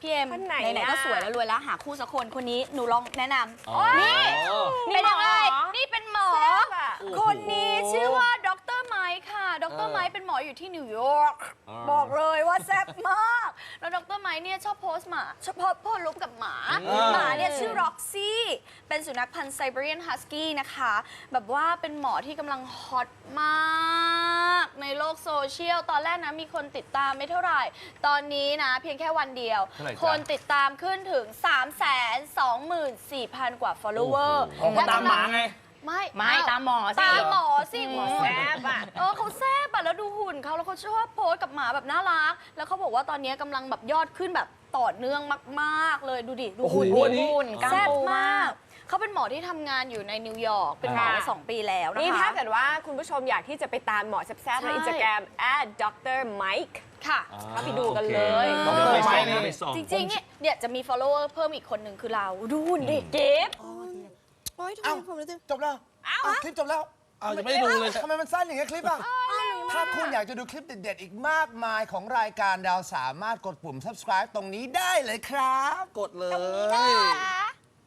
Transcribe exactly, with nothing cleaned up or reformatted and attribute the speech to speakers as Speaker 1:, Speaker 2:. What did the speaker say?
Speaker 1: พี่เอ็ม
Speaker 2: คนไหน
Speaker 1: ไหนๆก็
Speaker 2: อะ
Speaker 1: สวยแล้วรวยแล้วหาคู่สักคนคนนี้หนูลองแนะน
Speaker 3: อ๋อ
Speaker 1: ำนี่
Speaker 2: นี่
Speaker 1: เป็นยังไง
Speaker 2: หมอ
Speaker 1: นี่เป็นหมอ
Speaker 2: แซ่บอะ
Speaker 1: คนนี้ชื่อว่าดรไมค์ค่ะดรไมค์เป็นหมออยู่ที่นิวยอร์กบอกเลยว่าแซ่บมากแล้วดรไมค์เนี่ยชอบโพสต์หมาชอบโพสต์โพสต์รูปกับหมาหมาเนี่ยชื่อร็อกซี่เป็นสุนัขพันธุ์ไซบีเรียนฮัสกี้นะคะแบบว่าเป็นหมอที่กำลังฮอตมากในโลกโซเชียลตอนแรกนะมีคนติดตามไม่เท่าไหร่ตอนนี้นะเพียงแค่วันเดียว
Speaker 3: เท่าไหร่จ๊ะ
Speaker 1: คนติดตามขึ้นถึง สามแสนสองหมื่นสี่พัน กว่า follower
Speaker 3: โอ้โหตามหมาไง
Speaker 1: ไม่
Speaker 4: ไม่ตามหมอสิ
Speaker 1: ตามหมอสิ
Speaker 2: หมอแซ่บอะ
Speaker 1: เออเขาแซ่บอะแล้วดูหุ่นเขาแล้วเขาชอบโพสกับหมาแบบน่ารัก แล้วเขาบอกว่าตอนนี้กำลังแบบยอดขึ้นแบบต่อเนื่องมากๆเลยดูดิดูหุ่น
Speaker 3: โอ้
Speaker 1: ดิ
Speaker 3: โหนี่
Speaker 1: หุ่นกล้าม
Speaker 2: แซ่บ
Speaker 1: ปู
Speaker 2: มาม
Speaker 1: าก กเขาเป็นหมอที่ทำงานอยู่ในนิวยอร์กเป็นหมอมาสองปีแล้วนะคะ
Speaker 2: นี่ถ้าเกิดว่าคุณผู้ชมอยากที่จะไปตามหมอแซ่บๆใน
Speaker 1: ใช่
Speaker 2: อินสตาแกรม แอด ดรไมค์
Speaker 1: ค่ะ
Speaker 2: เข้าไปดูกันเลย
Speaker 3: โอเค
Speaker 1: เออ
Speaker 3: ไปส่องนะไปส่อง
Speaker 1: จริงๆเนี่ยเดี๋ยวจะมี follower เพิ่มอีกคนหนึ่งคือเราดูหุ่นดิ
Speaker 2: เก็บ
Speaker 5: โอ๊ยทำไม
Speaker 6: เอ้า
Speaker 5: ผมรู้สึก
Speaker 6: จบแล้วอ้าวคลิปจบแล้ว
Speaker 3: อ้าวยังไม่ได้ดูเลย
Speaker 6: ทำไมมันสั้นอย่างเงี้ยคลิปอ่ะ ถ้าคุณอยากจะดูคลิปเด็ดๆ อีกมากมายของรายการเราสามารถกดปุ่ม subscribe ตรงนี้ได้เลยครับ
Speaker 3: กดเลย